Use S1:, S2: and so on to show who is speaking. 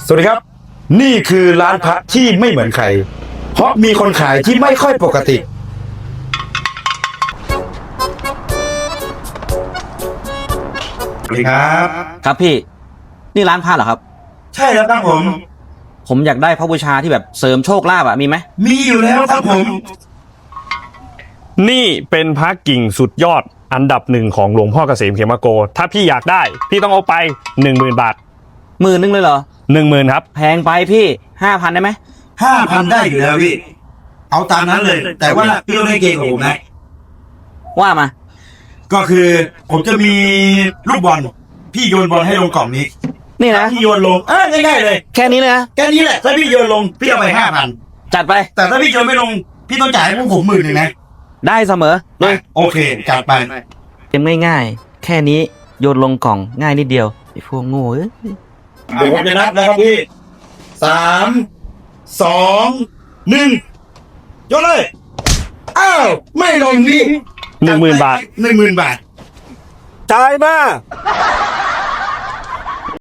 S1: สวัสดีครับนี่คือร้านพระที่ไม่เหมือนใครเพราะมีคนขายที่ไม่ค่อยปกติสวัสดีครับ
S2: ครับพี่นี่ร้านผ้าเหรอครับ
S1: ใช่แล้วครับ
S2: ผมอยากได้พระบูชาที่แบบเสริมโชคลาภมีไหม
S1: มีอยู่แล้วครับผม
S3: นี่เป็นพระกิ่งสุดยอดอันดับหนึ่งของหลวงพ่อเกษมเขมโกถ้าพี่อยากได้พี่ต้องเอาไป 10,000 บาท
S2: 10,000เลยเหรอ
S3: 10,000ครับ
S2: แพงไปพี่5,000ได้ไหม
S1: 5,000 ได้อยู่แล้วพี่เอาตามนั้นเลย แต่ว่าพี่ต้องให้เกงกับผมนะ
S2: ว่ามา
S1: ก็คือผมจะมีลูกบอลพี่โยนบอลให้ลงกล่องนี้
S2: นี่นะ
S1: พี่โยนลงง่ายๆเลย
S2: แค่นี้เลยนะ
S1: แค่นี้แหละถ้าพี่โยนลงพี่เอาไป 5,000
S2: จัดไป
S1: แต่ถ้าพี่โยนไม่ลงพี่ต้องจ่ายให้พวกผม10,000นะ
S2: ได้เสมอเลย
S1: โอเคจัดไป
S2: เกมง่ายๆแค่นี้โยนลงกล่องง่ายนิดเดียวไอ้พวกโง่เอ้ย
S1: เดี๋ยวผมจะนับนะครับพี่3 2 1โยนเลยอ้าวไม่ลงพี่
S3: 10,000 บาท
S1: 10,000 บาท
S3: จ่ายมา